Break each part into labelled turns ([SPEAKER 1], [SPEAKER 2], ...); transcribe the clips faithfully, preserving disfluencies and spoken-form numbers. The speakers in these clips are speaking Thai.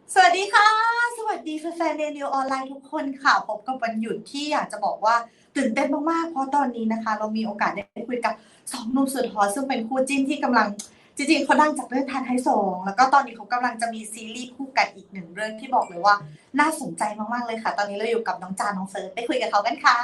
[SPEAKER 1] สวัสดีค่ะ สวัสดีแฟนๆ Daily ออนไลน์ทุกคนค่ะ พบกับวันหยุดที่อยากจะบอกว่าตื่นเต้นมากๆ เพราะตอนนี้นะคะ เรามีโอกาสได้คุยกับสองหนุ่มสุดฮอตซึ่งเป็นคู่จิ้นที่กำลังจริงๆเขาดังจากเรื่องทานไทยสงแล้วก็ตอนนี้เขากำลังจะมีซีรีส์คู่กันอีกหนึ่งเรื่องที่บอกเลยว่าน่าสนใจมากๆเลยค่ะ ตอนนี้เราอยู่กับน้องจาน้องเฟิร์สไปคุยกับเขากันค่ะ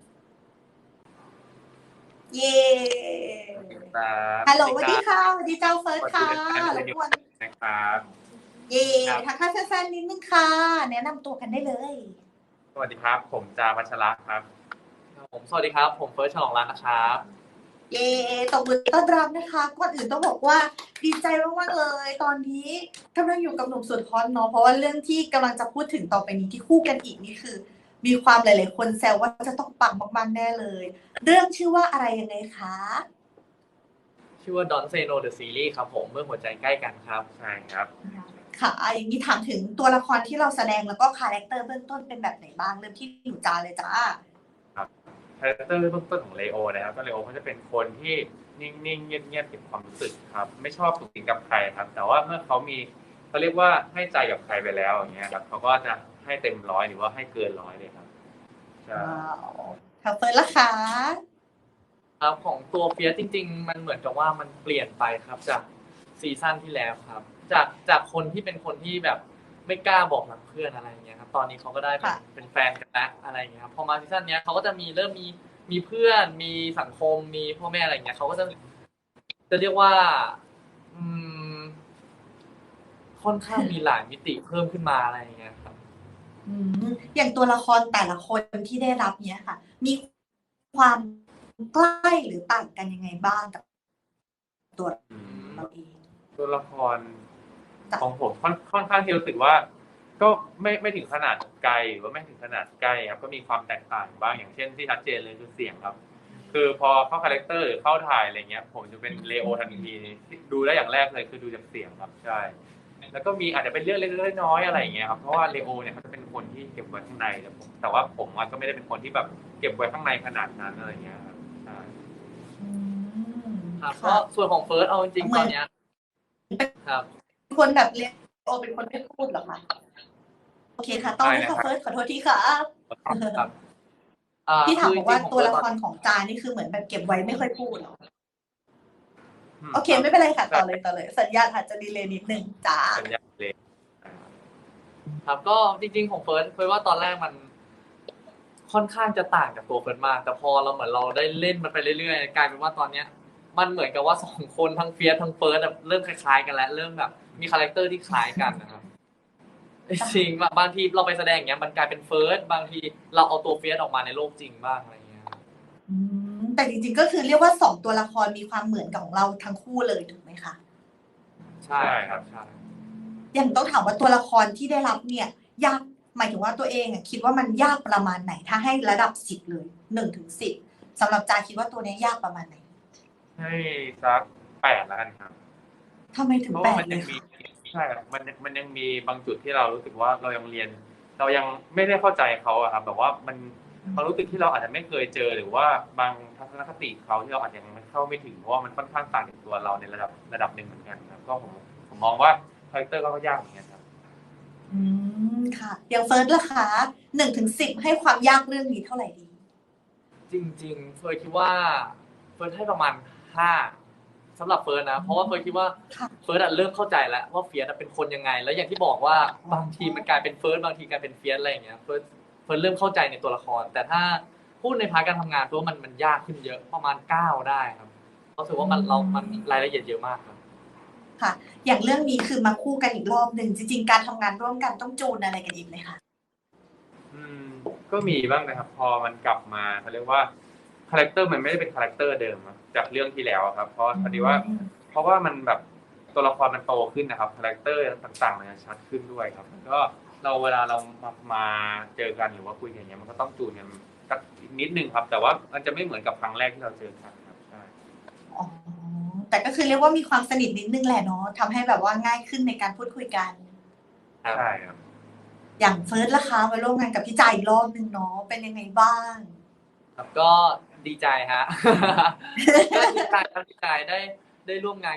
[SPEAKER 1] เย้
[SPEAKER 2] ครับ
[SPEAKER 1] ฮัลโหล
[SPEAKER 2] สวัสดีครับ
[SPEAKER 1] สวัสดีค่ะสวัสดีเจ้าเฟิร์สค่ะ
[SPEAKER 2] สวัสดีแฟนๆเรดิโอ
[SPEAKER 1] รบกวน
[SPEAKER 2] นะครับ
[SPEAKER 1] เย้
[SPEAKER 2] ครับ
[SPEAKER 1] ทักทายแฟนๆนิดนึงค่ะแนะนำตัวกันได้เลย
[SPEAKER 2] สวัสดีครับ ผมจาวัชระครับ
[SPEAKER 3] ผมสวัสดีครับผมเฟิร์สฉลองรัตน์นะครับ
[SPEAKER 1] เย้ตบมือต้อนรับนะคะก่อนอื่นต้องบอกว่าดีใจมากๆเลยตอนนี้กำลังอยู่กับหนุ่มสุดฮอตเนาะเพราะว่าเรื่องที่กำลังจะพูดถึงต่อไปนี้ที่คู่กันอีกนี่คือมีความหลายๆคนแซวว่าจะต้องปังมากๆแน่เลยเรื่องชื่อว่าอะไรยังไงคะ
[SPEAKER 3] ชื่อว่า Don't Say No The Series ครับผมเมื่อหัวใจใกล้กันครับ
[SPEAKER 2] ใช่ครับ
[SPEAKER 1] ค่ะอย่างนี้ถามถึงตัวละครที่เราแสดงแล้วก็คาแรคเตอร์เบื้องต้นเป็นแบบไหนบ้างเริ่มที่หนูจาเลยจ้า
[SPEAKER 2] ครับคาแรคเตอร์เบื้องต้นของเลโอนะครับก็เลโอเขาจะเป็นคนที่นิ่งๆเงียบๆเก็บความรู้สึกครับไม่ชอบสุขสิงกับใครครับแต่ว่าเมื่อเขามีเขาเรียกว่าให้ใจกับใครไปแล้วอย่างเงี้ยครับเขาก็จะให้เต็มร้อยหรือว่าให้เกินร้อยเลยครับใช่
[SPEAKER 1] ว้าวค่ะเฟิร์นล่ะคะ
[SPEAKER 3] ครับของตัวเฟียสจริงๆมันเหมือนกับว่ามันเปลี่ยนไปครับจากซีซั่นที่แล้วครับจากจากคนที่เป็นคนที่แบบไม่กล้าบอกรักเพื่อนอะไรอย่างเงี้ยครับตอนนี้เขาก็ได้เป็นเป็นแฟนกันแล้วอะไรอย่างเงี้ยครับพอมาซีซั่นเนี้ยเขาก็จะมีเริ่มมีมีเพื่อนมีสังคมมีพ่อแม่อะไรอย่างเงี้ยเขาก็จะจะเรียกว่าอืมค่อนข้างมีหลายมิติเพิ่มขึ้นมาอะไรอย่างเงี้ยครับ
[SPEAKER 1] อืมอย่างตัวละครแต่ละคนที่ได้รับเนี้ยค่ะ มีความใกล้หรือต่างกันยังไงบ้างกับตัว
[SPEAKER 2] อืม
[SPEAKER 1] เราเอง
[SPEAKER 2] ตัวละคร
[SPEAKER 1] จ้ะ
[SPEAKER 2] ของผมค่อนค่อนข้างที่รู้สึกว่า ก็ไม่ไม่ถึงขนาดไกลหรือว่าไม่ถึงขนาดใกล้ครับก็มีความแตกต่างบ้างอย่างเช่นที่ชัดเจนเลยคือเสียงครับ คือพอเข้าคาแรคเตอร์หรือเข้าถ่ายอะไรเงี้ยผมจะเป็นเลโอทันทีดูได้อย่างแรกเลยคือดูจากเสียงครับใช่แล้วก็มีอาจจะเป็นเรื่องเล็กๆน้อยๆอะไรอย่างเงี้ยครับเพราะว่าเลโอเนี่ยเขาจะเป็นคนที่เก็บไว้ข้างในแต่ผมแต่ว่าผมก็ไม่ได้เป็นคนที่แบบเก็บไว้ข้างในขนาดนั้นอะไรเงี้ยครับใช่
[SPEAKER 1] อืม
[SPEAKER 3] ครับก็
[SPEAKER 1] ค่ะ
[SPEAKER 3] ส่วนของเฟิร์สเอาจริงๆ
[SPEAKER 1] เหมือน
[SPEAKER 3] ตอนเนี้ยครับ
[SPEAKER 1] คนแบบเรียกโอเป็นคนไม่พูดเหรอคะโอเคค่ะต่อ
[SPEAKER 2] ใช่
[SPEAKER 1] เลย
[SPEAKER 2] นะครับ
[SPEAKER 1] ค่ะเฟิร์สขอโทษทีค่ะ
[SPEAKER 3] ครับอ่า
[SPEAKER 1] ที่ถาม
[SPEAKER 3] คือจ
[SPEAKER 1] บอกว่าตัว
[SPEAKER 3] ริงๆของเฟิร์สตอน
[SPEAKER 1] ละครของจานี่คือเหมือนแบบเก็บไว้ไม่ค่อยพูดเหรอ
[SPEAKER 2] อืม
[SPEAKER 1] โอเค
[SPEAKER 2] ครับ
[SPEAKER 1] ไม่เป็นไรค่ะ
[SPEAKER 2] ใช่
[SPEAKER 1] ต่อเลยต่อเลยสัญญาณอาจจะดีเลย์นิดนึงจ้า
[SPEAKER 2] สัญญาณเลย
[SPEAKER 3] ครับก็จริงๆของเฟิร์สเฟิร์สว่าตอนแรกมันค่อนข้างจะต่างจากตัวเฟิร์สมากแต่พอเราเหมือนเราได้เล่นมันไปเรื่อยๆกลายเป็นว่าตอนเนี้ยมันเหมือนกับว่าสองคนทั้งเฟียสทั้งเฟิร์สเริ่มคล้ายๆกันแล้วเริ่มแบบมีคาแรคเตอร์ที่คล้ายกันนะครับจริงๆบางทีเราไปแสดงอย่างเงี้ยมันกลายเป็นเฟิร์สบางทีเราเอาตัวเฟียสออกมาในโลกจริงบ้างอะไรอย่างเงี้ยครับ
[SPEAKER 1] อืมแต่จริงๆก็คือเรียกว่าสองตัวละครมีความเหมือนกับของเราทั้งคู่เลยถูกไหมคะ
[SPEAKER 3] ใช่ครับใช่
[SPEAKER 1] อย่างต้องถามว่าตัวละครที่ได้รับเนี่ยยากหมายถึงว่าตัวเองอะคิดว่ามันยากประมาณไหนถ้าให้ระดับสิบเลยหนึ่งถึงสิบสำหรับจาคิดว่าตัวนี้ยากประมาณไหน
[SPEAKER 2] ให้สักแปดแล้วกันครับ
[SPEAKER 1] ทำไมถึ
[SPEAKER 2] เพราะ
[SPEAKER 1] งแป
[SPEAKER 2] ว่ามันยังมี
[SPEAKER 1] ดเลยคะ
[SPEAKER 2] ใช่ครับมันมันยังมีบางจุดที่เรารู้สึกว่าเรายังเรียน เรายังไม่ได้เข้าใจเขาอะครับแบบว่ามันความรู้สึกที่เราอาจจะไม่เคยเจอหรือว่าบางทัศนคติเขาที่เราอาจจะยังเข้าไม่ถึงเพราะว่ามันค่อนข้างต่างจากตัวเราในระดับระดับหนึ่งเหมือนกันครับก็ผมผมมองว่าคาแรคเตอร์ก็ยากเหมือนกันครับ
[SPEAKER 1] อืมค่ะอย่างเฟิร์สล่ะคะหนึ่งถึงสิบให้ความยากเรื่องนี้เท่าไหร่ดี
[SPEAKER 3] จริงๆเฟิร์สคิดว่าเฟิร์สให้ประมาณห้าสำหรับเฟิร์สนะเพราะว่าเฟิร์สคิดว่า
[SPEAKER 1] ค่ะ
[SPEAKER 3] เฟิร์สอะเริ่มเข้าใจแล้วว่าเฟียสอะเป็นคนยังไง แล้วอย่างที่บอกว่าบางทีมันกลายเป็นเฟิร์สบางทีกลายเป็นเฟียสอะไรอย่างเงี้ยเฟิร์สเฟิร์สเริ่มเข้าใจในตัวละคร แต่ถ้าพูดในพาร์ทการทำงานเฟิร์สมันมันยากขึ้นเยอะประมาณเก้าได้ครับรู้สึกว่ามันเรามันรายละเอียดเยอะมากครับ
[SPEAKER 1] ค่ะอย่างเรื่องนี้คือมาคู่กันอีกรอบหนึ่งจริงๆการทำงานร่วมกันต้องจูนอะไรกันอีกไหมคะ
[SPEAKER 2] อืมก็มีบ้างนะครับพอมันกลับมาเขาเรียกว่าคาแรคเตอร์มันไม่ได้เป็นคาแรคเตอร์เดิมอะจากเรื่องที่แล้วอะครับเพราะพอดีว่า เพราะว่ามันแบบตัวละครมันโตขึ้นนะครับคาแรคเตอร์ต่างๆมันจะชัดขึ้นด้วยครับแล้วก็เราเวลาเรามามาเจอกันหรือว่าคุยกันอย่างเงี้ยมันก็ต้องจูนกันสักนิดนึงครับ แต่ว่ามันจะไม่เหมือนกับครั้งแรกที่เราเจอกันครับใช่
[SPEAKER 1] อ๋อแต่ก็คือเรียกว่ามีความสนิทนิดนึงแหละเนาะทำให้แบบว่าง่ายขึ้นในการพูดคุยกัน
[SPEAKER 3] ครับ
[SPEAKER 2] ใช่ครับ
[SPEAKER 1] อย่างเฟิร์สล่ะคะมาร่วมงานกับพี่จ่ายอีกรอบหนึ่งเนาะเป็นยังไงบ้าง
[SPEAKER 3] ครับก็ดีใจฮะก็ดีใจครับดีใจได้ได้ร่วมงานกับ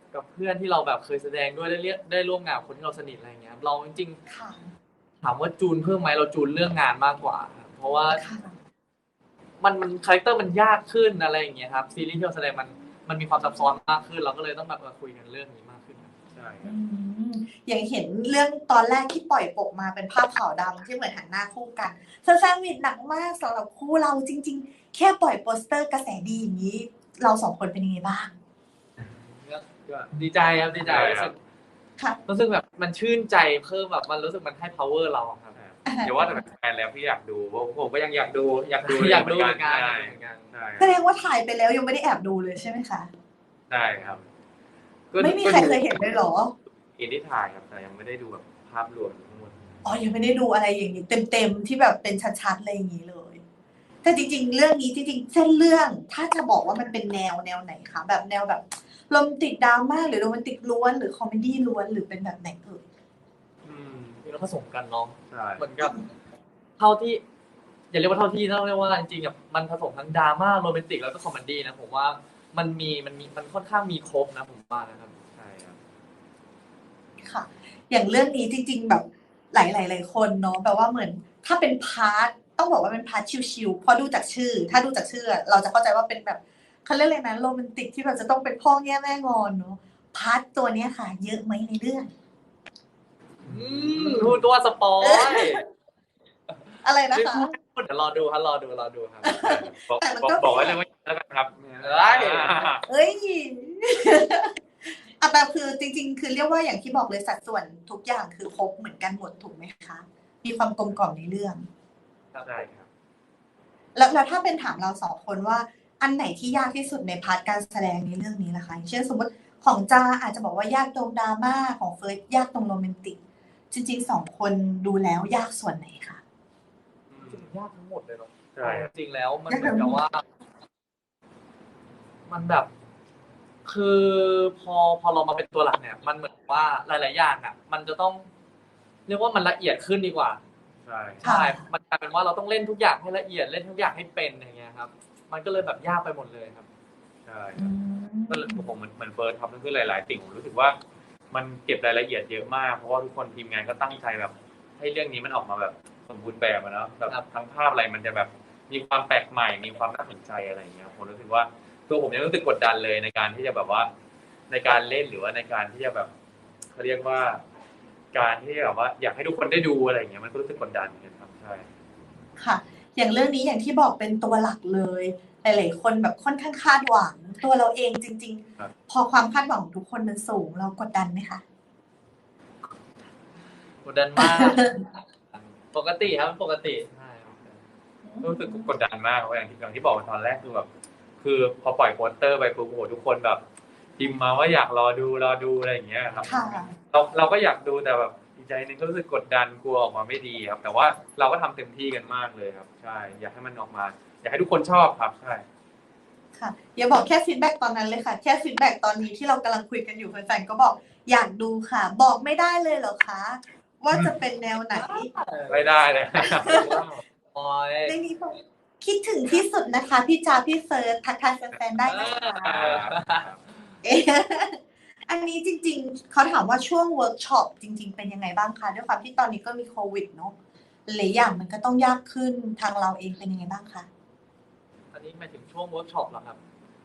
[SPEAKER 3] กับเพื่อนที่เราแบบเคยแสดงด้วยได้เรียกได้ร่วมงานกับคนที่เราสนิทอะไรอย่างเงี้ยครับเราจริง
[SPEAKER 1] ค่ะ
[SPEAKER 3] ๆถามว่าจูนเพิ่มไหมเราจูนเรื่องงานมากกว่าครับเพราะว่า
[SPEAKER 1] ค่ะ
[SPEAKER 3] มันมันคาแรคเตอร์มันยากขึ้นอะไรอย่างเงี้ยครับซีรีส์ที่เราแสดงมันมันมีความซับซ้อนมากขึ้นเราก็เลยต้องแบบมาคุยกันเรื่องนี้มากขึ้นครับ
[SPEAKER 2] ใช่ค
[SPEAKER 1] อื
[SPEAKER 2] รับ
[SPEAKER 1] มอย่างเห็นเรื่องตอนแรกที่ปล่อยปกมาเป็นภาพขาวดำที่เหมือนหันหน้าคู่กันแฟนๆวิดหนักมากสำหรับคู่เราจริง ๆ แค่ปล่อยโปสเตอร์กระแสดีอย่างนี้ เราสองคนเป็นยังไงบ้าง
[SPEAKER 3] ก็ดีใจครับดีใจ
[SPEAKER 2] ใช่
[SPEAKER 3] รู้
[SPEAKER 2] ครั
[SPEAKER 3] สึ
[SPEAKER 2] บ
[SPEAKER 3] ก
[SPEAKER 1] ค่ะ
[SPEAKER 3] รู้สึกแบบมันชื่นใจเพิ่มแบบมันรู้สึกมันให้ power เราครับ
[SPEAKER 2] เดี๋ยวว่าแต่แฟนแล้วพี่อยากดูผมก็ยังอยากดูอยากดู
[SPEAKER 3] อยากดูเหมือนกัน
[SPEAKER 2] ใช่
[SPEAKER 3] เหมือนกัน
[SPEAKER 2] ใช่
[SPEAKER 1] แสดงว่าถ่ายไปแล้วยังไม่ได้แอบดูเลยใช่ไหมคะ
[SPEAKER 2] ใช่ครับก็
[SPEAKER 1] ไม่มีใครเคยเห็นเลยเหรอ
[SPEAKER 2] อินที่ถ่ายครับแต่ยังไม่ได้ดูแบบภาพรวมทั้งหมด
[SPEAKER 1] อ๋อ ยังไม่ได้ดูอะไรอย่างนี้เต็มๆที่แบบเป็นชัดๆอะไรอย่างนี้เลย แต่จริงๆ เรื่องนี้จริงๆ เส้นเรื่องถ้าจะบอกว่ามันเป็นแนวแนวไหนคะแบบแนวแบบโรแมนติกดราม่าหรือโรแมนติกล้วนหรือคอมเมดี้ล้วนหรือเป็นแบบไหนเอ่ย
[SPEAKER 2] อืม
[SPEAKER 3] มีเราผสมกันเนาะ
[SPEAKER 2] ใช่
[SPEAKER 3] เหมือนกับเท่าที่อย่าเรียกว่าเท่าที่ต้องเรียกว่าจริงๆแบบมันผสมทั้งดราม่าโรแมนติกแล้วก็คอมเมดี้นะผมว่ามันมีมันมีมันค่อนข้างมีครบนะผมว่านะครับ
[SPEAKER 2] ใช่ครับ
[SPEAKER 1] ค่ะ อย่างเรื่องนี้จริงๆ แบบหลายๆหลายคนเนาะแบบว่าเหมือนถ้าเป็นพาร์ทต้องบอกว่าเป็นพาร์ทชิลๆเพราะดูจากชื่อ ถ้าดูจากชื่อ เราจะเข้าใจว่าเป็นแบบเขาเรียกอะไรนะโรแมนติกที่แบบจะต้องเป็นพ่อแง่แม่งอนเนาะพาร์ทตัวเนี้ยค่ะ เยอะไหมในเรื่อง
[SPEAKER 3] อืมพูดตัวสปอย
[SPEAKER 1] อะไรนะ
[SPEAKER 3] ไม่
[SPEAKER 1] คะ
[SPEAKER 3] พูดไม่พูดเดี๋ยวรอดูครับรอดูรอดูครับ
[SPEAKER 2] บอก
[SPEAKER 1] แต่มัน
[SPEAKER 2] บอก
[SPEAKER 1] ก็
[SPEAKER 2] บอกไว้เลยว่าแล้วกันครับ
[SPEAKER 3] เอ้ย
[SPEAKER 1] เอ้ย อ่ะแต่คือจริงๆ คือเรียกว่าอย่างที่บอกเลยสัดส่วนทุกอย่างคือครบเหมือนกันหมดถูกไหมคะ มีความกลมกล่อมในเรื่อง
[SPEAKER 2] ใช่ครับ
[SPEAKER 1] แล้วแล้วถ้าเป็นถามเราสองคนว่าอันไหนที่ยากที่สุดในพาร์ทการแสดงในเรื่องนี้ล่ะคะอย่างเช่นสมมติของจาอาจจะบอกว่ายากตรงดราม่าของเฟิร์สยากตรงโรแมนติก จริงๆสองคนดูแล้วยากส่วนไหนคะ
[SPEAKER 3] จริงๆยากทั้งหมดเลยเนาะ
[SPEAKER 2] ใช่ครับ
[SPEAKER 3] จริงๆแล้วมันเหมือนกับว่า มันแบบ คือพอพอเรามาเป็นตัวหลักเนี่ย มันเหมือนว่าหลาย ๆ อย่างอ่ะ มันจะต้อง เรียกว่ามันละเอียดขึ้นดีกว่า
[SPEAKER 2] ใช่
[SPEAKER 3] ใช่ มันกลายเป็นว่าเราต้องเล่นทุกอย่างให้ละเอียดเล่นทุกอย่างให้เป็นอย่างเงี้ยครับ มันก็เลยแบบยากไปหมดเลยครับ
[SPEAKER 2] ใช่
[SPEAKER 1] อืม
[SPEAKER 2] ก็เลยผมเหมือนเหมือนเฟิร์สทำนั่นคือหลาย ๆ สิ่งผมรู้สึกว่ามันเก็บรายละเอียดเยอะมากเพราะว่าทุกคนทีมงานก็ตั้งใจแบบ ให้เรื่องนี้มันออกมาแบบสมบูรณ์แบบอะเนาะแบบ
[SPEAKER 3] ครับ
[SPEAKER 2] ทั้งภาพอะไรมันจะแบบมีความแปลกใหม่ มีความน่าสนใจอะไรอย่างเงี้ยผมรู้สึกว่าตัวผมยังรู้สึกกดดันเลยในการที่จะแบบว่า ในการเล่นหรือว่าในการที่จะแบบเขาเรียกว่า การที่แบบว่า อยากให้ทุกคนได้ดูอะไรอย่างเงี้ยมันก็รู้สึกกดดันเหมือนกันครับใช่
[SPEAKER 1] ค่ะ อย่างเรื่องนี้อย่างที่บอกเป็นตัวหลักเลย หลายๆคนแบบค่อนข้างคาดหวัง ตัวเราเองจริง
[SPEAKER 2] ครับ
[SPEAKER 1] ๆ พอความคาดหวังของทุกคนมันสูงเรากดดันไหมคะ
[SPEAKER 3] กดดันมาก ปกติครับปกติใช่ครับ
[SPEAKER 2] รู้สึกกดดันมากเพราะอย่างที่อย่างที่บอกตอนแรกคือแบบ คือพอปล่อยโปสเตอร์ไปปุ๊บโอ้โหทุกคนแบบพิมพ์มาว่าอยากรอดูรอดูอะไรอย่างเงี้ยครับ
[SPEAKER 1] ค่ะ
[SPEAKER 2] เราเราก็อยากดูแต่แบบอีกใจหนึงก็รู้สึกกดดันกลัวออกมาไม่ดีครับ แต่ว่าเราก็ทำเต็มที่กันมากเลยครับ ใช่ อยากให้มันออกมา อยากให้ทุกคนชอบครับ ใช่
[SPEAKER 1] ค่ะอย่าบอกแค่ฟีดแบ็กตอนนั้นเลยค่ะ แค่ฟีดแบ็กตอนนี้ที่เรากำลังคุยกันอยู่แฟนๆก็บอกอยากดูค่ะ บอกไม่ได้เลยเหรอคะ ว่าจะเป็นแนวไหน
[SPEAKER 2] ไม่ได้เลย
[SPEAKER 3] ปอย
[SPEAKER 1] ในนี้บอกคิดถึงที่สุดนะคะ พี่จาพี่เฟิร์สทักทายแฟนๆได้นะคะ เอ๊ะอันนี้จริงๆ เขาถามว่าช่วงเวิร์กช็อปจริง ๆ เป็นยังไงบ้างคะด้วยความที่ตอนนี้ก็มีโควิดเนาะหลายอย่างมันก็ต้องยากขึ้นทางเราเองเป็นยังไงบ้างคะ
[SPEAKER 3] อันนี้หมายถึงช่วงเวิร์กช็อปเหรอครับ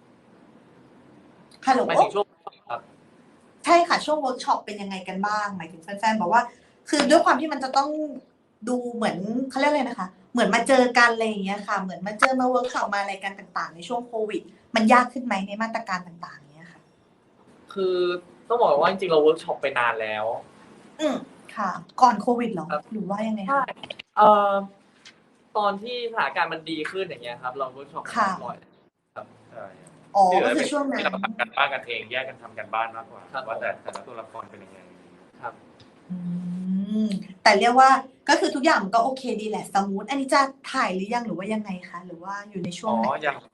[SPEAKER 1] ฮัลโหล
[SPEAKER 3] หมายถึงช่วงครับ
[SPEAKER 1] ใช่ค่ะช่วงเวิร์กช็อปเป็นยังไงกันบ้างหมายถึงแฟนๆบอกว่า คือด้วยความที่มันจะต้องดูเหมือนเขาเรียกอะไรนะคะ เหมือนมาเจอกันอะไรอย่างเงี้ยค่ะ เหมือนมาเจอมาเวิร์กช็อปมาอะไรกันต่างๆ ในช่วงโควิด มันยากขึ้นไหมในมาตรการต่างๆเนี้ยค่ะ
[SPEAKER 3] คือต้องบอกว่าจริงๆเราเวิร์กช็อปไปนานแล้ว
[SPEAKER 1] อืมค่ะ ก่อนโควิดเหรอ
[SPEAKER 3] ครับ
[SPEAKER 1] หรือว่ายังไง
[SPEAKER 3] ใช่
[SPEAKER 1] คะ
[SPEAKER 3] เอ่อตอนที่สถานการณ์มันดีขึ้นอย่างเงี้ยครับ เราเวิร์กช็อปกัน
[SPEAKER 1] ค่ะ
[SPEAKER 3] บ่อย
[SPEAKER 2] ใช่
[SPEAKER 1] อ๋อ
[SPEAKER 2] ที่เหลื
[SPEAKER 1] ก็
[SPEAKER 2] อ
[SPEAKER 1] คือช่วงนั้น
[SPEAKER 2] ที่เราทำกันบ้านกันเองแยกกันทำกันบ้านมากกว่า
[SPEAKER 3] ครับ
[SPEAKER 2] ว่าแต่แต่ละตัวละครเป็นยังไง
[SPEAKER 3] ครับ
[SPEAKER 1] อืมแต่เรียกว่าก็คือทุกอย่างมันก็โอเคดีแหละสมูทอันนี้จะถ่ายหรือยังหรือว่ายังไงคะหรือว่าอยู่ในช่ว
[SPEAKER 2] อ๋
[SPEAKER 1] ง
[SPEAKER 2] อ
[SPEAKER 1] ไหน
[SPEAKER 2] ยัง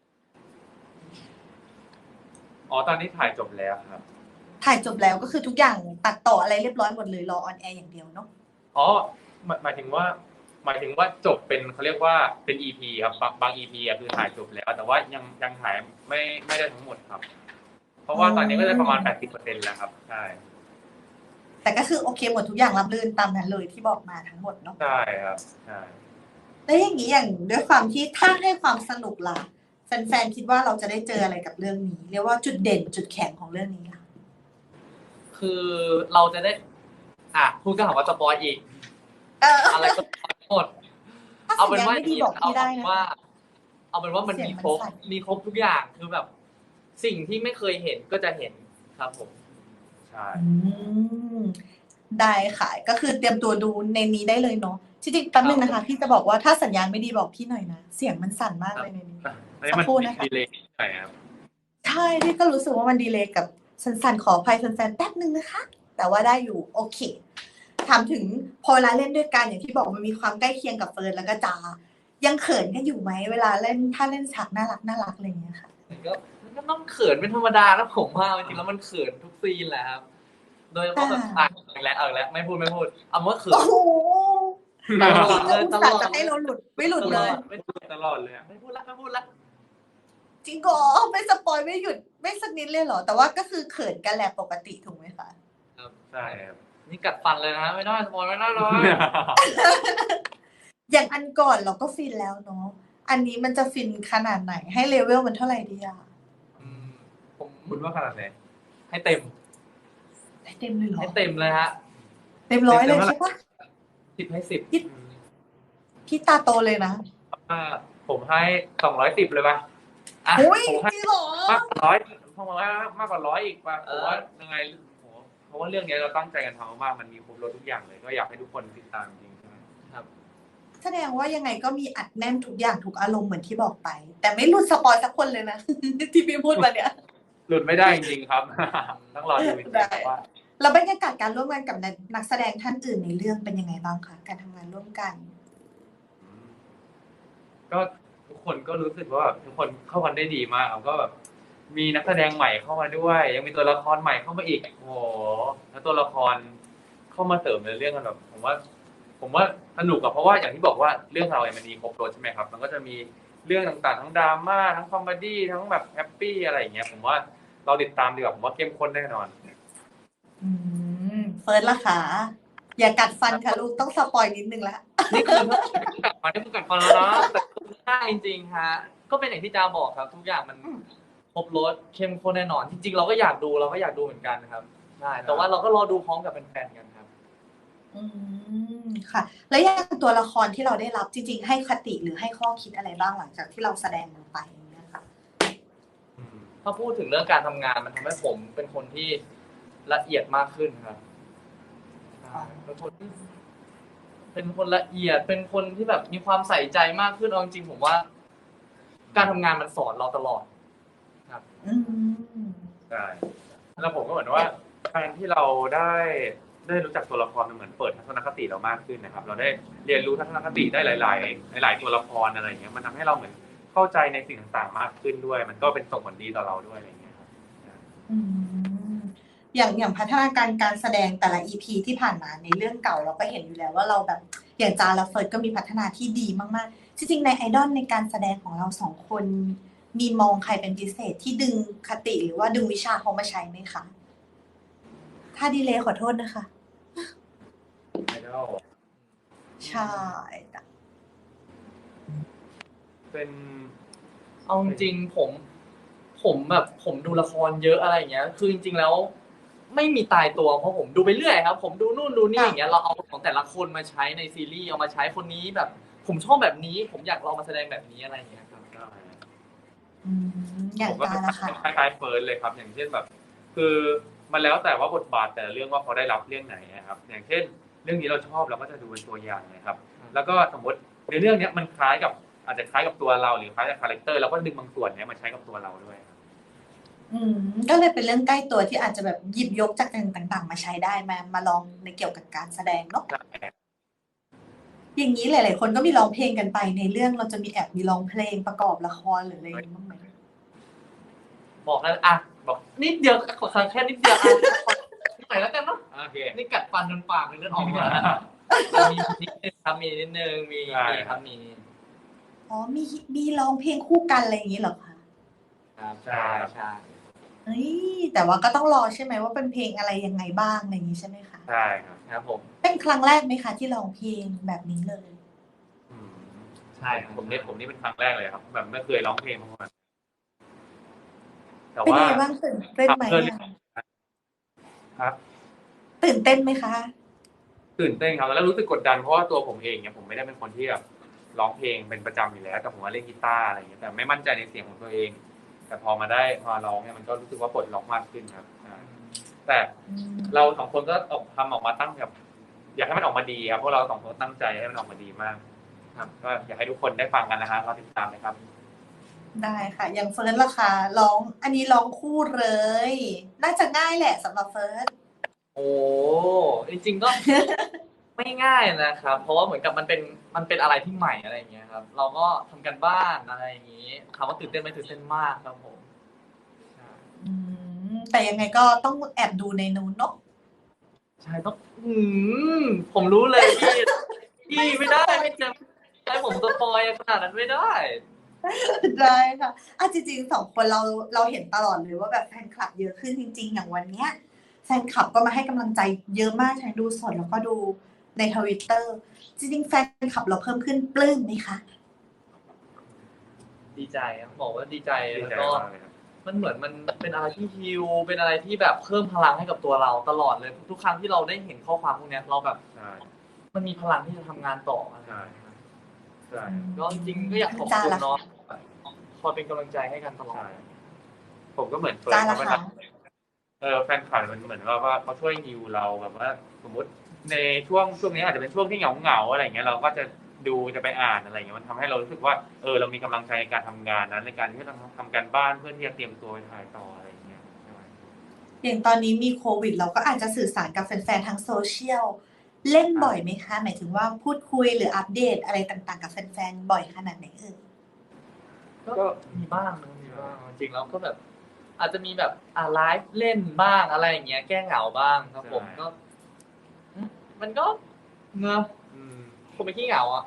[SPEAKER 2] อ๋อตอนนี้ถ่ายจบแล้วครับ
[SPEAKER 1] ถ่ายจบแล้วก็คือทุกอย่างตัดต่ออะไรเรียบร้อยหมดเลยรอออนแอร์อย่างเดียวเนาะ
[SPEAKER 2] อ๋อหมายหมายถึงว่า หมายถึงว่าจบเป็นเขาเรียกว่าเป็น อี พี ครับบางบาง อี พี อ่ะคือถ่ายจบแล้ว แต่ว่ายังยังถ่ายไม่ไม่ได้ทั้งหมดครับเพราะว่าตอนนี้ก็จะประมาณ แปดสิบเปอร์เซ็นต์ แล้วครับใช่
[SPEAKER 1] แต่ก็คือโอเคหมดทุกอย่างรับรื่นตามนั้นเลยที่บอกมาทั้งหมดเนาะ
[SPEAKER 2] ใช่ครับใช่
[SPEAKER 1] แล้วอย่างนี้อย่างด้วยความที่ถ้าให้ความสนุกล่ะแฟนๆคิดว่าเราจะได้เจออะไรกับเรื่องนี้เรียกว่าจุดเด่นจุดแข็งของเรื่องนี้ล่ะ
[SPEAKER 3] คือเราจะได้ อ่ะพูดก็หาว่าสปอยอีก
[SPEAKER 1] เออ
[SPEAKER 3] อะไรก็สปอยหมด
[SPEAKER 1] ถ้า
[SPEAKER 3] เอา
[SPEAKER 1] สั
[SPEAKER 3] เป็
[SPEAKER 1] ญ
[SPEAKER 3] น
[SPEAKER 1] ญาณ
[SPEAKER 3] ว่า
[SPEAKER 1] ไม่ดีบอก
[SPEAKER 3] เอา
[SPEAKER 1] พี่ได้
[SPEAKER 3] เป็น
[SPEAKER 1] นะ
[SPEAKER 3] ว่า เอาเป็นว่ามัน
[SPEAKER 1] เสียง
[SPEAKER 3] มี
[SPEAKER 1] มัน
[SPEAKER 3] ครบ
[SPEAKER 1] สั่น
[SPEAKER 3] มีครบทุกอย่างคือแบบ สิ่งที่ไม่เคยเห็นก็จะเห็นครับผม
[SPEAKER 2] ใช่
[SPEAKER 1] อืมได้ค่ะก็คือเตรียมตัวดูในนี้ได้เลยเนาะจริงๆแป๊บนึงนะคะพี่จะบอกว่าถ้าสัญญาณไม่ดีบอกพี่หน่อยนะเสียงมันสั่นมากเลยในนี้
[SPEAKER 2] อันนี้มัน
[SPEAKER 1] สักครู่นะคะ
[SPEAKER 2] ดีเลย์หน่อยครับ
[SPEAKER 1] ใช่พี่ก็รู้สึกว่ามันดีเลย์กับสั่นๆขออภัยแฟนๆแป๊บนึงนะคะ แต่ว่าได้อยู่โอเคถามถึงพอเวลาเล่นด้วยกันอย่างที่บอกมันมีความใกล้เคียงกับเฟิร์นแล้วก็จายังเขินกันอยู่ไหมเวลาเล่นถ้าเล่นฉากน่ารักน่ารักอะไรอย่างเงี้ยค่ะ
[SPEAKER 3] ก็ก็ต้องเขินเป็นธรรมดานะผมว่าจริงๆแล้วมันเขินทุกซีนแหละครับ โดยเฉพาะแบบอ่ะเอาอีกแล้วเอาอีกแล้วไม่พูดไม่พูดเอาว่าเขิน
[SPEAKER 1] โอ้โห
[SPEAKER 3] ตลอดเลย
[SPEAKER 1] อุต
[SPEAKER 3] ต
[SPEAKER 1] ส่า
[SPEAKER 3] ลอ
[SPEAKER 1] ห์
[SPEAKER 3] ด
[SPEAKER 1] จะให้เราหลุดไม่หลุด
[SPEAKER 3] ต
[SPEAKER 1] เล
[SPEAKER 3] ลอด
[SPEAKER 1] ย
[SPEAKER 3] ไม่
[SPEAKER 2] ตลอดเลยอะ
[SPEAKER 3] ไม่พูดละไม่พูดละ
[SPEAKER 1] จริงเหรอไม่สปอยไม่หยุดไม่สักนิดเลยเหรอแต่ว่าก็คือเขินกันแหละปกติถูกไหมคะ
[SPEAKER 3] ครับ
[SPEAKER 2] ใช่ครับ
[SPEAKER 3] นี่กัดฟันเลยนะไม่ได้สปอยไม่ได้เลย
[SPEAKER 1] อย่างอันก่อนเราก็ฟินแล้วเนาะอันนี้มันจะฟินขนาดไหนให้เลเวลมันเท่าไหร่ดีอะ
[SPEAKER 3] อืมผม
[SPEAKER 2] คุณว่าขนาดไหน
[SPEAKER 3] ให้เต็ม
[SPEAKER 1] ให้เต็มเลยเหรอ
[SPEAKER 3] ให้เต็มเลยฮะ
[SPEAKER 1] เต็มร้อยเลย
[SPEAKER 2] เต็มเท่าไหร่
[SPEAKER 1] ใช่ปะ
[SPEAKER 3] สิบให้สิบ
[SPEAKER 1] พี่ตาโตเลยนะ
[SPEAKER 2] อ่าผมให้สองร้อยสิบเลยป่ะ
[SPEAKER 3] อ่ะ
[SPEAKER 1] อุ้ย
[SPEAKER 2] ผมให้
[SPEAKER 1] จริงเหรอ
[SPEAKER 2] มากกว่าร้อยผมว่ามากกว่าร้อยอีกป่ะผมว่ายังไงโหเพราะว่าเรื่องนี้เราตั้งใจกันทำมากมันมีครบรถทุกอย่างเลย ก็อยากให้ทุกคนติดตามจริงใช่ไหม
[SPEAKER 3] ครับ
[SPEAKER 1] แสดงว่ายังไงก็มีอัดแน่นทุกอย่างทุกอารมณ์เหมือนที่บอกไป แต่ไม่หลุดสปอยสักคนเลยนะ ที่พี่พูดมาเนี่ย
[SPEAKER 2] หลุดไม่ได้จริงๆครับ ต้องรอดูจริง
[SPEAKER 1] ได้
[SPEAKER 2] ๆว่า
[SPEAKER 1] แล้วบรรยากาศการร่วมงานกับนักแสดงท่านอื่นในเรื่องเป็นยังไงบ้างคะการทำงานร่วมกัน
[SPEAKER 2] อืมก็ทุกคนก็รู้สึกว่าแบบทุกคนเข้ากันได้ดีมากครับก็แบบมีนักแสดงใหม่เข้ามาด้วย ยังมีตัวละครใหม่เข้ามาอีกโอ้โหแล้วตัวละครเข้ามาเสริมในเรื่องกันแบบผมว่า ผมว่าสนุกอะเพราะว่าอย่างที่บอกว่าเรื่องเราเนี่ยมันมีครบรสใช่ไหมครับ มันก็จะมีเรื่องต่างๆทั้งดราม่าทั้งคอมเมดี้ทั้งแบบแฮปปี้อะไรอย่างเงี้ยผมว่าเราติดตามดีกว่าผมว่าเข้มข้นแน่นอน
[SPEAKER 1] อืมเฟิร์สล่ะคะอย่ากัดฟันค่ะลูกต้องสปอยนิดนึงละ
[SPEAKER 3] นี่คือกัดฟันนี่คือกัดฟันแล้วนะแต่ได้จริงๆฮะก็เป็นอย่างที่จาบอกครับ ทุกอย่างมันครบรสเข้มข้นแน่นอน จริง ๆ เราก็อยากดูเราก็อยากดูเหมือนกันครับใช่แต่ว่าเราก็รอดูพร้อมกับแฟนๆกันครับ
[SPEAKER 1] อืมค่ะ แล้วอย่างตัวละครที่เราได้รับจริง ๆ ให้คติหรือให้ข้อคิดอะไรบ้างหลังจากที่เราแสดงลงไปอย่างเงี้ยค่ะ
[SPEAKER 2] อืม
[SPEAKER 3] ถ้าพูดถึงเรื่องการทำงานมันทำให้ผมเป็นคนที่ละเอียดมากขึ้นครับใช่เป็นคนที่เป็นคนละเอียดเป็นคนที่แบบมีความใส่ใจมากขึ้นเอาจริงๆผมว่า การทำงานมันสอนเราตลอด ครับ
[SPEAKER 1] อืม
[SPEAKER 2] ใช่แล้วผมก็เหมือนว่าการที่เราได้ได้รู้จักตัวละครมันเหมือนเปิดทัศนคติเรามากขึ้นนะครับ เราได้เรียนรู้ทัศนคติได้หลาย ๆ หลาย ๆ ตัวละครอะไรอย่างเงี้ยมันทำให้เราเหมือนเข้าใจในสิ่งต่างๆมากขึ้นด้วย มันก็เป็นส่งผลดีต่อเราด้วยอะไรอย่างเงี้ยครับ
[SPEAKER 1] อืมอย่างอย่างพัฒนาการการแสดงแต่ละ อี พี ที่ผ่านมาในเรื่องเก่าเราก็เห็นอยู่แล้วว่าเราแบบอย่างจาและเฟิร์สก็มีพัฒนาที่ดีมากๆจริงๆในไอดอลในการแสดงของเราสองคน มีมองใครเป็นพิเศษที่ดึงคติหรือว่าดึงวิชาเขามาใช้ไหมคะถ้าดีเลยขอโทษนะคะ
[SPEAKER 2] ไอดอล
[SPEAKER 1] ใช่จ้ะ
[SPEAKER 2] เป็น
[SPEAKER 3] เอาจริงๆผม ผมแบบผมดูละครเยอะอะไรอย่างเงี้ย คือจริงๆแล้ว ไม่มีตายตัวเพราะผมดูไปเรื่อยครับ ผมดูนู่นดูนี่อย่างเงี้ยเราเอาของแต่ละคนมาใช้ในซีรีส์เอามาใช้คนนี้แบบ ผมชอบแบบนี้ ผมอยากลองมาแสดงแบบนี้อะไรอย่างเงี้ยครับ
[SPEAKER 1] อืมอย่าง
[SPEAKER 2] ผมก็
[SPEAKER 1] จา
[SPEAKER 2] เป็น
[SPEAKER 1] ละค่ะ
[SPEAKER 2] คล้ายๆเฟิร์สเลยครับ อย่างเช่นแบบ คือมันแล้วแต่ว่าบทบาทแต่ละเรื่องว่าเขาได้รับเรื่องไหนนะครับ อย่างเช่น เรื่องนี้เราชอบเราก็จะดูเป็นตัวอย่างนะครับ แล้วก็สมมติในเรื่องนี้มันคล้ายกับอาจจะคล้ายกับตัวเราหรือคล้ายกับคาแรคเตอร์เราก็ดึงบางส่วนเนี้ยมาใช้กับตัวเราด้วยครับ
[SPEAKER 1] อืมก็เลยเป็นเรื่องใกล้ตัวที่อาจจะแบบหยิบยกจากต่างๆ มาใช้ได้มามาลองในเกี่ยวกับการแสดงเนาะ อย่างนี้หลายๆคนก็มีร้องเพลงกันไปในเรื่องเราจะมีแอบมีร้องเพลงประกอบละครหรืออะไรอย่างนี้บ้างไหม
[SPEAKER 3] บอกแล้วอ่ะบอกนิดเดียวขอแค่นิดเดียวอ่ะขอหน่อยแล้วกันเนาะ
[SPEAKER 2] โอเค
[SPEAKER 3] นี่กัดฟันจนปากเลยเลือดออกมามีนิดนึงครับมีนิดนึงมีมีครับมี
[SPEAKER 1] อ๋อมีมีร้องเพลงคู่กันอะไรอย่างนี้เหรอคะ
[SPEAKER 3] ครับใช่ใช่
[SPEAKER 1] เฮ้ยแต่ว่าก็ต้องรอใช่ไหมว่าเป็นเพลงอะไรยังไงบ้างอะไรอย่างนี้ใช่ไหมคะ
[SPEAKER 2] ใช่ครับ
[SPEAKER 3] ครับผม
[SPEAKER 1] เป็นครั้งแรกไหมคะที่ร้องเพลงแบบนี้เลย
[SPEAKER 2] อืม
[SPEAKER 3] ใช่ครับ
[SPEAKER 2] ผมเนี่ยผมนี่เป็นครั้งแรกเลยครับ แบบไม่เคยร้องเพลงมาก่อนแต่
[SPEAKER 1] เป็น
[SPEAKER 2] ว่า
[SPEAKER 1] ยังไงบ้างตื่นเต้นไหม
[SPEAKER 2] ทำเพื่อ
[SPEAKER 1] อะ
[SPEAKER 2] ครับ
[SPEAKER 1] ตื่นเต้นไหมคะ
[SPEAKER 2] ตื่นเต้นครับแล้วรู้สึกกดดันเพราะว่าตัวผมเองเนี่ยผมไม่ได้เป็นคนที่แบบร้องเพลงเป็นประจำอยู่แล้วแต่ผมมาเล่นกีตาร์อะไรอย่างเงี้ยแต่ไม่มั่นใจในเสียงของตัวเอง แต่พอมาได้มาร้องเนี่ยมันก็รู้สึกว่าปลดล็อกมากขึ้นครับใช่แต่เราสองคนก็ออกทำออกมาตั้งแบบอยากให้มันออกมาดีครับเพราะเราสองคนตั้งใจให้มันออกมาดีมาก ครับก็อยากให้ทุกคนได้ฟังกันนะฮะเราติดตามนะครับ
[SPEAKER 1] ได้ค่ะ อย่างเฟิร์สล่ะคะร้องอันนี้ร้องคู่เลย น่าจะง่ายแหละสำหรับเฟิร์ส
[SPEAKER 3] โอ้จริงๆก็ ไม่ง่ายนะครับ เพราะว่าเหมือนกับมันเป็นมันเป็นอะไรที่ใหม่อะไรอย่างเงี้ยครับ เราก็ทำกันบ้านอะไรอย่างงี้ถามว่าตื่นเต้นไหมตื่นเต้นมากครับผมใช่
[SPEAKER 1] อืมแต่ยังไงก็ต้องแอบดูในนู้นเนาะ
[SPEAKER 3] ใช่ต้องอืมผมรู้เลยพี่พี่ไม่ได้ไม่จะให้ผมสปอยขนาดนั้นไม่ได้
[SPEAKER 1] ได้ค่ะอ่ะจริงๆสองคนเราเราเห็นตลอดเลยว่าแบบแฟนคลับเยอะขึ้นจริง ๆ อย่างวันเนี้ยแฟนคลับก็มาให้กำลังใจเยอะมากทั้งดูสดแล้วก็ดูในทวิตเตอร์จริงๆแฟนคลับเราเพิ่มขึ้นปลื้มไหมคะ
[SPEAKER 3] ดีใจครับบอกว่าดีใจ
[SPEAKER 2] ดี
[SPEAKER 3] แล้ว
[SPEAKER 2] ใจ
[SPEAKER 3] ก็
[SPEAKER 2] มากเลยครับ
[SPEAKER 3] มันเหมือนมันเป็นอะไรที่ฮิวเป็นอะไรที่แบบเพิ่มพลังให้กับตัวเราตลอดเลยทุกครั้งที่เราได้เห็นข้อความพวกเนี้ยเราแบบ
[SPEAKER 2] ใช่
[SPEAKER 3] มันมีพลังที่จะทำงานต่ออะไรอย่าง
[SPEAKER 2] ใช่
[SPEAKER 3] เงี้ยครับ
[SPEAKER 2] ใช่
[SPEAKER 3] ก็จริงๆก็อยากขอบคุณเนาะคอยเป็นกำลังใจให้กันตลอด
[SPEAKER 2] ใช่ผมก็เหมือนเฟิร์
[SPEAKER 1] จ้าน
[SPEAKER 2] ครั
[SPEAKER 1] ละ
[SPEAKER 2] บเว
[SPEAKER 1] คะ
[SPEAKER 2] ลาเออแฟนคลับมันเหมือนว่าว่าเขาช่วยฮิวเราแบบว่า สมมติในช่วงช่วงนี้อาจจะเป็นช่วงที่เหงาเหงาๆอะไรอย่างเงี้ยเราก็จะดูจะไปอ่านอะไรอย่างเงี้ยมันทำให้เรารู้สึกว่าเออเรามีกำลังใจในการทำงานนั้นในการที่เราทำการบ้านเพื่อที่จะเตรียมตัวไปถ่ายต่ออะไรอย่างเงี้ยใช่ไหม
[SPEAKER 1] อย่างตอนนี้มีโควิดเราก็อาจจะสื่อสารกับแฟนๆทางโซเชียลเล่นบ่อยไหมคะ หมายถึงว่าพูดคุยหรืออัปเดตอะไรต่างๆกับแฟนๆบ่อยขนาดไหนเอ่ย
[SPEAKER 3] ก็มีบ้างนะมีบ้างจริงๆแล้วก็แบบ อาจจะมีแบบอ่าไลฟ์เล่นบ้างอะไรอย่างเงี้ยแก้เหงาบ้างครับผมก็อืมมันก็เนอะ
[SPEAKER 2] อืม
[SPEAKER 3] ผมไม่ขี้เหงาอ่ะ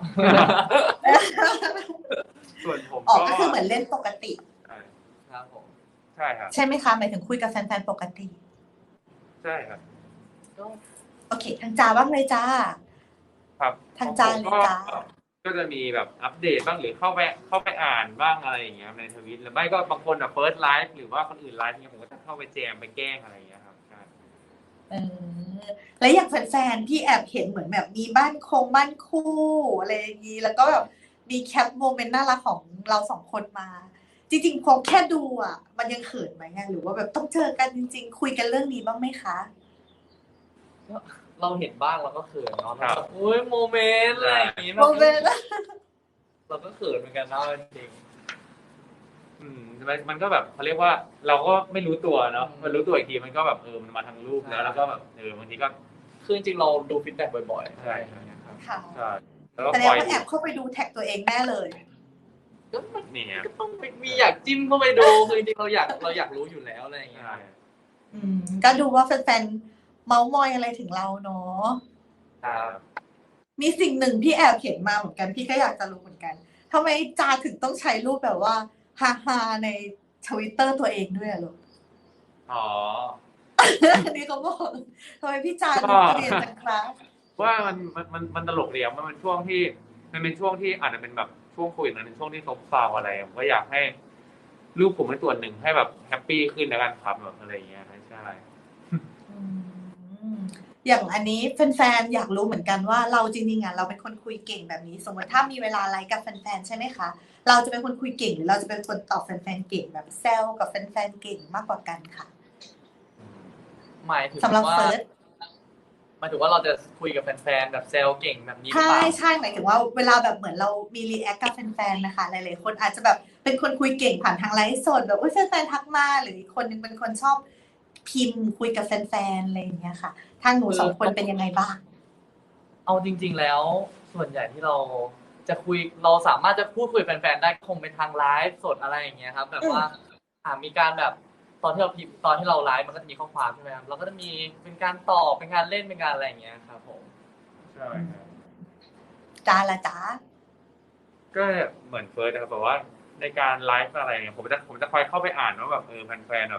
[SPEAKER 2] ส่วนผม
[SPEAKER 1] ออก
[SPEAKER 2] ก็
[SPEAKER 1] ก็คือเหมือนเล่นปกติ
[SPEAKER 2] ใช่
[SPEAKER 3] ครับผม
[SPEAKER 2] ใช่ครับ
[SPEAKER 1] ใช่ไหมคะหมายถึงคุยกับแฟนๆปกติ
[SPEAKER 2] ใช่ครับ
[SPEAKER 3] ก็
[SPEAKER 1] โอเคทางจ้าบ้างเลยจ้า
[SPEAKER 2] ครับ
[SPEAKER 1] ทางจาน
[SPEAKER 2] ผม
[SPEAKER 1] เลย
[SPEAKER 2] ก็
[SPEAKER 1] จ้า
[SPEAKER 2] ก็จะมีแบบอัปเดตบ้างหรือเข้าไปเข้าไปอ่านบ้างอะไรอย่างเงี้ยในทวิตหรือไม่ก็บางคนอ่ะเฟิร์สไลฟ์หรือว่าคนอื่นไลฟ์เนี่ยผมก็จะเข้าไปแจมไปแกล้งอะไรอย่างเงี้ยครับใช่
[SPEAKER 1] เออแล้วอย่างแฟนๆพี่แอบเห็นเหมือนแบบมีบ้านคงบ้านคู่อะไรอย่างนี้แล้วก็แบบมีแคปโมเมนต์น่ารักของเราสองคนมา จริงๆพอแค่ดูอ่ะ มันยังเขินไหมอะหรือว่าแบบต้องเจอกันจริงๆ คุยกันเรื่องนี้บ้างไหมคะ
[SPEAKER 3] เราเห็นบ้างเราก็เขินเนาะ
[SPEAKER 2] ครั
[SPEAKER 3] เรา
[SPEAKER 2] บ
[SPEAKER 3] แบบอุ้ยโมเมนต์อะไรอย่างงี้
[SPEAKER 1] โมเมนต์
[SPEAKER 3] เราก็เขินเหมือนกันเนาะจริง
[SPEAKER 2] อืมมันมันก็แบบเขาเรียกว่าเราก็ไม่รู้ตัวเนาะ
[SPEAKER 3] อืม
[SPEAKER 2] มันรู้ตัวอีกทีมันก็แบบเออมันมาทางรูปแล้วแล้วก็แบบเออบางทีก็
[SPEAKER 3] คือจริงๆเราดูฟีดแบ็กบ่อยๆ
[SPEAKER 2] ใช่
[SPEAKER 3] อะไรอย่างเงี้ยครับ
[SPEAKER 1] ค่ะ
[SPEAKER 2] ใช่แล้วก็
[SPEAKER 1] แสด
[SPEAKER 2] ค
[SPEAKER 1] ง
[SPEAKER 2] อย
[SPEAKER 1] ว่าแอบเข้าไปดูแท็กตัวเองแน่เลย
[SPEAKER 3] ก็มัน
[SPEAKER 2] นี่ครับ
[SPEAKER 3] ก็ต้องมีอยากจิ้มเข้าไปดูคือจริงๆเราอยากเราอยากรู้อยู่แล้วอะไรอย่างเงี้ย
[SPEAKER 2] ใช่
[SPEAKER 1] อืมก็ดูว่าแฟนๆเมาส์มอยอะไรถึงเราเนาะ
[SPEAKER 2] ครับ
[SPEAKER 1] มีสิ่งหนึ่งที่แอบเห็นมาเหมือนกันพี่ก็อยากจะรู้เหมือนกันทำไมจาถึงต้องใช้รูปแบบว่าฮาฮาๆในทวิตเตอร์ตัวเองด้วยอะลูก
[SPEAKER 2] อ๋อ
[SPEAKER 1] อันนี้เขาบอกทำไมพี่จา
[SPEAKER 2] ก็
[SPEAKER 1] ดูเกรียนจังครับ
[SPEAKER 2] ว่ามันมันมันมันตลกเดียวมันเป็นช่วงที่มันเป็นช่วงที่อาจจะเป็นแบบช่วงโควิดมันเป็นช่วงที่ซบเซาอะไรผมก็อยากให้รูปผมเป็นส่วนหนึ่งให้แบบแฮปปี้ขึ้นแล้วกันครับแบบอะไรอย่างเงี้ยใช่
[SPEAKER 1] อืมอย่างอันนี้แฟนๆอยากรู้เหมือนกันว่าเราจริงๆอ่ะเราเป็นคนคุยเก่งแบบนี้ สมมติถ้ามีเวลาไลฟ์กับแฟนๆใช่ไหมคะเราจะเป็นคนคุยเก่งหรือเราจะเป็นคนตอบแฟนๆเก่งแบบแซวกับแฟนๆเก่งมากกว่ากันค่ะ
[SPEAKER 3] หมายถึง
[SPEAKER 1] สำหรับ
[SPEAKER 3] ว่า
[SPEAKER 1] เฟิร์ส
[SPEAKER 3] หมายถึงว่าเราจะคุยกับแฟนๆแบบแซวเก่งแบบนี้หรือ
[SPEAKER 1] ใช่
[SPEAKER 3] เปล่า
[SPEAKER 1] ใช่หมายถึงว่าเวลาแบบเหมือนเรามีรีแอคกับแฟนๆนะคะหลายๆคนอาจจะแบบเป็นคนคุยเก่งผ่านทางไลฟ์สดแบบอุ้ยแฟนๆทักมาหรืออีกคนนึงเป็นคนชอบพิมพ์คุยกับแฟนๆอะไรอย่างเงี้ยค่ะทางหนูสองคนเป็นยังไงบ้าง
[SPEAKER 3] เอาจริง ๆ แล้วส่วนใหญ่ที่เราจะคุยเราสามารถจะพูดคุยกับแฟนๆได้คงเป็นทางไลฟ์สดอะไรอย่างเงี้ยครับแบบว่าอ่ามีการแบบตอนที่เราพิมพ์ตอนที่เราไลฟ์มันก็จะมีข้อความใช่ไหมครับเราก็จะมีเป็นการตอบเป็นการเล่นเป็นการอะไรอย่างเงี้ยครับผม
[SPEAKER 2] ใช่ครับ
[SPEAKER 1] จ้าละจ้า
[SPEAKER 2] ก็เหมือนเฟิร์สนะครับแบบว่าในการไลฟ์อะไรเนี่ยผมจะผมจะคอยเข้าไปอ่านว่าแบบเออแฟนๆแบบ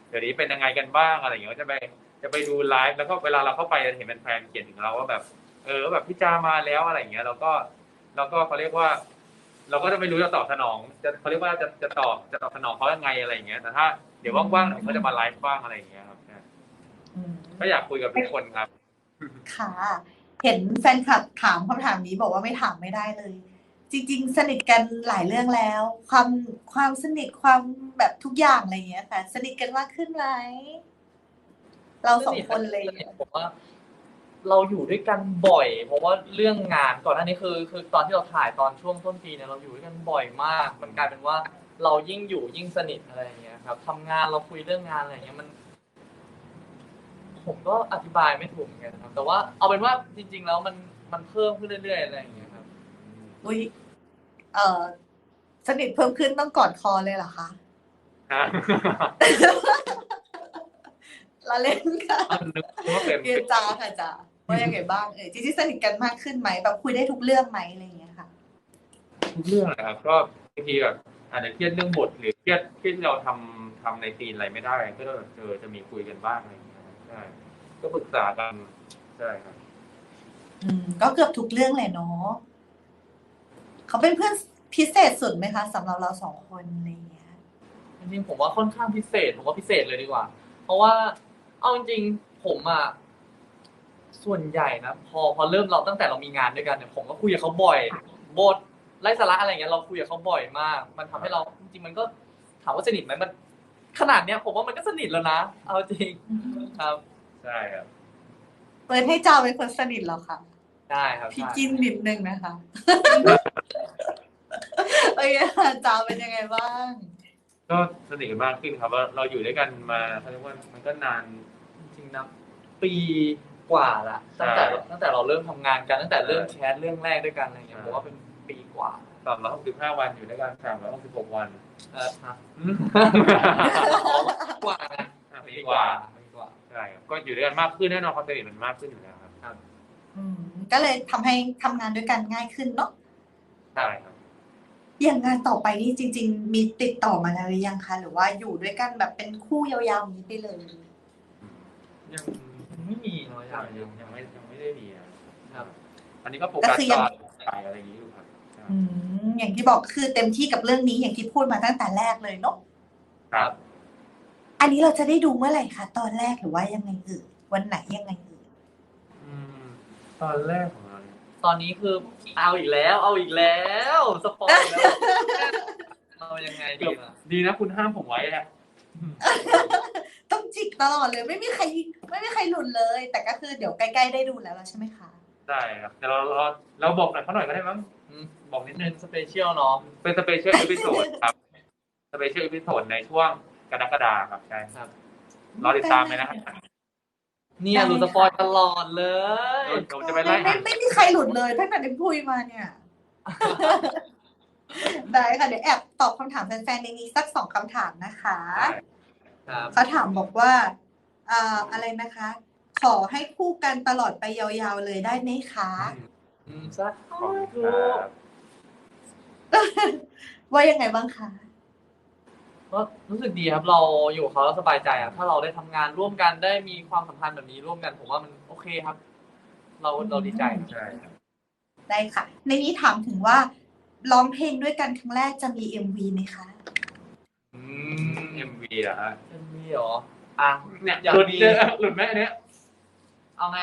[SPEAKER 2] เดี๋ยวนี้เป็นยังไงกันบ้างอะไรอย่างเงี้ยก็จะไปจะไปดูไลฟ์แล้วก็เวลาเราเข้าไปจะเห็นแฟนๆเขียนถึงเราว่าแบบเออแบบพี่จามาแล้วอะไรอย่างเงี้ยเราก็เราก็เขาเรียกว่า เราก็จะไม่รู้จะตอบสนองจะเขาเรียกว่าจะจะตอบจะตอบสนองเขายังไงอะไรอย่างเงี้ยแต่ถ้าเดี๋ยวว่างๆหน่อยก็จะมาไลฟ์บ้างอะไรอย่างเงี้ยครับก็อยากคุยกับทุกคนครับ
[SPEAKER 1] ค่ะ เห็นแฟนคลับถามคำถามนี้บอกว่าไม่ถามไม่ได้เลย จริง ๆ สนิทกันหลายเรื่องแล้ว ความความสนิทความแบบทุกอย่างอะไรอย่างเงี้ยค่ะ สนิทกันมากขึ้นไหมเราสองคนเลย
[SPEAKER 3] สนิทผมว่า เราอยู่ด้วยกันบ่อย เพราะว่าเรื่องงานก่อนหน้านี้คือ คือตอนที่เราถ่ายตอนช่วงต้นปีเนี่ยเราอยู่ด้วยกันบ่อยมาก มันกลายเป็นว่าเรายิ่งอยู่ยิ่งสนิทอะไรอย่างเงี้ยครับทำงานเราคุยเรื่องงานอะไรอย่างเงี้ยมัน ผมก็อธิบายไม่ถูกเหมือนกันนะครับ แต่ว่าเอาเป็นว่าจริง ๆ แล้วมันมันเพิ่มขึ้นเรื่อยๆอะไรอย่างเงี้ยครับ
[SPEAKER 1] อุ้ยเออสนิทเพิ่มขึ้นต้องกอดคอเลยเหรอคะ เราเล่นค่ะ
[SPEAKER 2] นึกว่าเป็น
[SPEAKER 1] เรียนจ้าค่ะจ้าว่ายังไงบ้างเอ่ยจริงๆสนิทกันมากขึ้นไหมแบบคุยได้ทุกเรื่องไหมอะไรอย่างเงี้ยค่ะ
[SPEAKER 2] ทุกเรื่องนะครับก็บางทีแบบอาจจะเครียดเรื่องบทหรือเครียดเครียดที่เราทำทำในซีนอะไรไม่ได้ก็จะเจอจะมีคุยกันบ้างอะไรอย่างเงี้ยใช่ก็ปรึกษากันใช่ครับ
[SPEAKER 1] อืมก็เกือบทุกเรื่องเลยเนาะเขาเป็นเพื่อนพิเศษสุดไหมคะสำหรับเราสองคนอะไรอย่างเงี้ย
[SPEAKER 3] จริงๆผมว่าค่อนข้างพิเศษผมว่าพิเศษเลยดีกว่า เพราะว่าเอาจริงๆผมอ่ะส่วนใหญ่นะพอพอเริ่มเราตั้งแต่เรามีงานด้วยกันเนี่ยผมก็คุยกับเขาบ่อยบทไร้สาระอะไรเงี้ยเราคุยกับเขาบ่อยมาก มันทำให้เราจริงๆมันก็ถามว่าสนิทไหมมันขนาดเนี้ยผมว่ามันก็สนิทแล้วนะเอาจริงครับ
[SPEAKER 2] ใช่ครับ
[SPEAKER 1] เปิดให้จ้าเป็นคนสนิทเหรอคะ
[SPEAKER 3] ได้ครับ
[SPEAKER 1] พี่
[SPEAKER 3] ใช่
[SPEAKER 1] กินนิดนึงนะคะ โอเคค่ะจ้าเป็นยังไงบ้าง
[SPEAKER 2] ก็สนิทกันมากขึ้นครับว่าเราอยู่ด้วยกันมาเขาเรียกว่ามันก็นาน
[SPEAKER 3] จริงๆนะปีกว่าละตั้งแต่ตั้งแต่เราเริ่มทำงานกันตั้งแต่เริ่มแชทเรื่องแรกด้วยกันอะไรเงี้ยผมว่าเป็นปีกว่า
[SPEAKER 2] สามร้อยหกสิบห้าวันอยู่ด้วยกันสามร้อยหกสิบหกวัน
[SPEAKER 3] เออฮะ กว่านะ
[SPEAKER 2] ปีกว่า
[SPEAKER 3] ปีกว่า
[SPEAKER 2] ใช่ครับก็อยู่ด้วยกันมากขึ้นแน่นอนความสนิทมันมากขึ้นอยู่แล้วครับ
[SPEAKER 3] ครับ
[SPEAKER 1] อืมก็เลยทำให้ทำงานด้วยกันง่ายขึ้นเนาะ
[SPEAKER 2] ใช่ครับ
[SPEAKER 1] อย่างงานต่อไปนี่จริง ๆ มีติดต่อมาแล้วหรือยังคะหรือว่าอยู่ด้วยกันแบบเป็นคู่ยาวๆอย่างนี้ไปเลย
[SPEAKER 2] ยัง
[SPEAKER 3] ไม่มีเนาะอ
[SPEAKER 2] ยั
[SPEAKER 3] ย่าง ง
[SPEAKER 2] ยั
[SPEAKER 3] ยัง ง
[SPEAKER 2] ยังไม่ยังไม่ได้มีนะครับ อันนี้ก็โฟ
[SPEAKER 1] ก็
[SPEAKER 2] กัส
[SPEAKER 1] คือ
[SPEAKER 2] ต
[SPEAKER 1] ยัง
[SPEAKER 2] อนถ่ายอะไรอย่างนี้อยู่ครับใช่
[SPEAKER 1] อืมอย่างที่บอกคือเต็มที่กับเรื่องนี้อย่างที่พูดมาตั้งแต่แรกเลยเนาะ
[SPEAKER 2] ครับ
[SPEAKER 1] อันนี้เราจะได้ดูเมื่อไหร่คะตอนแรกหรือว่ายังไงเอ่ยวันไหนยังไงเอ่ย
[SPEAKER 2] อืมตอนแรกของเราเนี่ย
[SPEAKER 3] ตอนนี้คือเอาอีกแล้ว เอาอีกแล้วสปอยแล้ว เรายังไงดีล่ะ
[SPEAKER 2] ดีนะคุณห้ามผมไว้อะ
[SPEAKER 1] ต้องจิกตลอดเลยไม่มีใครไม่มีใครหลุดเลย แต่ก็คือเดี๋ยวใกล้ๆได้ดูแล้วใช่ไหมคะ
[SPEAKER 2] ใช่ครับแต่เราเราเราบอกหน่อยเขาหน่อยก็ได้มั้ง
[SPEAKER 3] อืม
[SPEAKER 2] บอกนิดนึ
[SPEAKER 3] เป็
[SPEAKER 2] ง
[SPEAKER 3] นสเปเชียลเนาะ
[SPEAKER 2] เป็นสเปเชียลอีพิโซดครับสเปเชียลอีพิโซดในช่วงกรกฎาคมครับใช่
[SPEAKER 3] ครับ
[SPEAKER 2] รอติดตามเลยนะครับ
[SPEAKER 3] เนี่ยรู้สปอยตลอดเลย
[SPEAKER 2] เดี๋ยวจะไปไล่
[SPEAKER 1] ไม่ไม่มีใครหลุดเลยตั้งแต่ได้คุยมาเนี่ย ได้ค่ะเดี๋ยวแอบตอบคำถามแฟนๆในนี้สักสองคำถามนะคะ
[SPEAKER 3] ครับ
[SPEAKER 1] เขาถามบอกว่าอ่าอะไรนะคะ ขอให้คู่กันตลอดไปยาวๆเลยได้ไหมคะ
[SPEAKER 3] อืมสัก
[SPEAKER 2] ขอบคุณครับ
[SPEAKER 1] ว่ายังไงบ้างคะ
[SPEAKER 3] ก็รู้สึกดีครับเราอยู่กับเขาแล้วสบายใจอ่ะถ้าเราได้ทำงานร่วมกันได้มีความสัมพันธ์แบบนี้ร่วมกันผมว่ามันโอเคครับ เราเราดีใจ
[SPEAKER 2] ใช่ครับ
[SPEAKER 1] ได้ค่ะ ในนี้ถามถึงว่าร้องเพลงด้วยกันครั้งแรกจะมี เอ็ม วี ไหมคะ
[SPEAKER 3] อืม
[SPEAKER 2] เอ็มวีเหรอฮะ
[SPEAKER 3] เอ็มวีเหรออ่ะ
[SPEAKER 2] เนี่ย
[SPEAKER 3] อยาก
[SPEAKER 2] หลุด
[SPEAKER 3] มี
[SPEAKER 2] เจอหลุดไหมอันเนี้ย
[SPEAKER 3] เอาไง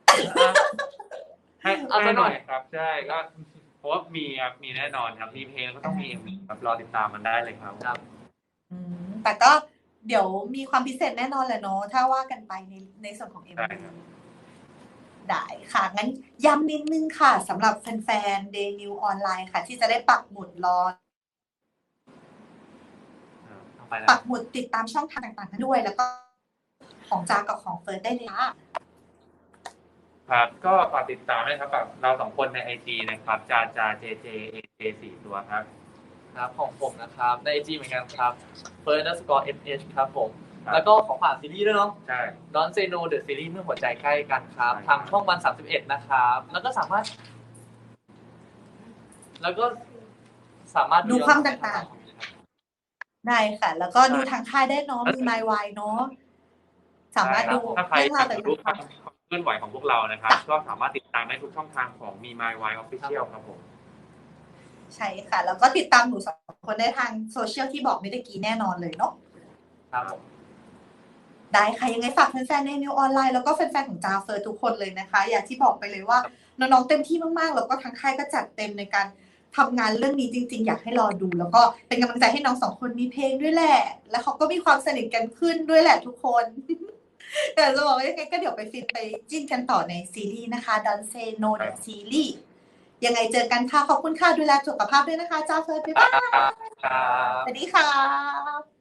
[SPEAKER 2] ให้
[SPEAKER 3] เอาซะหน่อย
[SPEAKER 2] ครับใช่ก็เพราะว่ามีครับมีแน่นอนครับมีเพลงก็ต้องมีเอ็มวีครับรอติดตามมันได้เลยครับ
[SPEAKER 3] ครับ
[SPEAKER 1] อืมแต่ก็เดี๋ยวมีความพิเศษแน่นอนแหละเนาะถ้าว่ากันไปในในส่วนของ เอ็ม
[SPEAKER 2] ได้
[SPEAKER 1] วี
[SPEAKER 2] ครับ
[SPEAKER 1] ได้ค่ะ งั้นย้ำนิดนึงค่ะสำหรับแฟนๆ Day New ออนไลน์ค่ะ ที่จะได้ปักหมุดรอ
[SPEAKER 3] เอาไปแล้
[SPEAKER 1] ปั
[SPEAKER 3] ว
[SPEAKER 1] กหมุดติดตามช่องทางต่างๆนั้นด้วย แล้วก็ของจากับของเฟิร์สได้เลยค่ะ
[SPEAKER 2] ครับก็ฝากติดตามด้วยครับกับเราสองคนในไอจีนะครับจาจาเจเจเอเจสี่ตัวครับ
[SPEAKER 3] ครับของผมนะครับใน ไอ จี เหมือนกันครับ first underscore sh ครับผม
[SPEAKER 2] ครับ
[SPEAKER 3] แล้วก็ของฝากซีรีส์ด้วยเนาะ
[SPEAKER 2] ใช่
[SPEAKER 3] Don't Say No The Series เมื่อหัวใจใกล้กันครับ
[SPEAKER 2] ใช่ครับ
[SPEAKER 3] ทางช่องวันสามสิบเอ็ดนะครับ แล้วก็สามารถ แล้วก็สามารถ
[SPEAKER 1] ดูความแตกต่างได้ค่ะ แล้วก็ดูทางค่ายได้เนาะมี My Why เนาะสามารถดู
[SPEAKER 2] ถ้าใคร
[SPEAKER 1] เรื่องาว
[SPEAKER 2] อยารก
[SPEAKER 1] ต่
[SPEAKER 2] จะรู้ความ
[SPEAKER 1] าง
[SPEAKER 2] เคลื่อนไหวของพวกเรานะครับ
[SPEAKER 1] จ้ะ
[SPEAKER 2] ก็สามารถติดตามได้ทุกช่องทางของมี My Why Official ครับผม
[SPEAKER 1] ๆใช่ค่ะ แล้วก็ติดตามหนูสองคนได้ทางโซเชียลที่บอกเมื่อกี้แน่นอนเลยเนาะ
[SPEAKER 3] ครับผม
[SPEAKER 1] ได้ค่ะยังไงฝากแฟนๆในนิวออนไลน์แล้วก็แฟนๆของจาเฟิร์ทุกคนเลยนะคะ อย่างที่บอกไปเลยว่าน้องๆเต็มที่มากๆแล้วก็ทางค่ายก็จัดเต็มในการทำงานเรื่องนี้จริงๆ อยากให้รอดู แล้วก็เป็นกำลังใจให้น้องสองคนมีเพลงด้วยแหละ แล้วเขาก็มีความสนิทกันขึ้นด้วยแหละทุกคน แต่จะบอกว่ายังไงก็เดี๋ยวไปฟินไปจิ้นกันต่อในซีรีส์นะคะ Don't Say No ในซีรีส์ยังไงเจอกันค่ะขอบคุณค่ะดูแลสุขภาพด้วยนะคะจาเฟิร์บ๊ายบาย
[SPEAKER 3] ครับ
[SPEAKER 1] สวัสดีค่ะ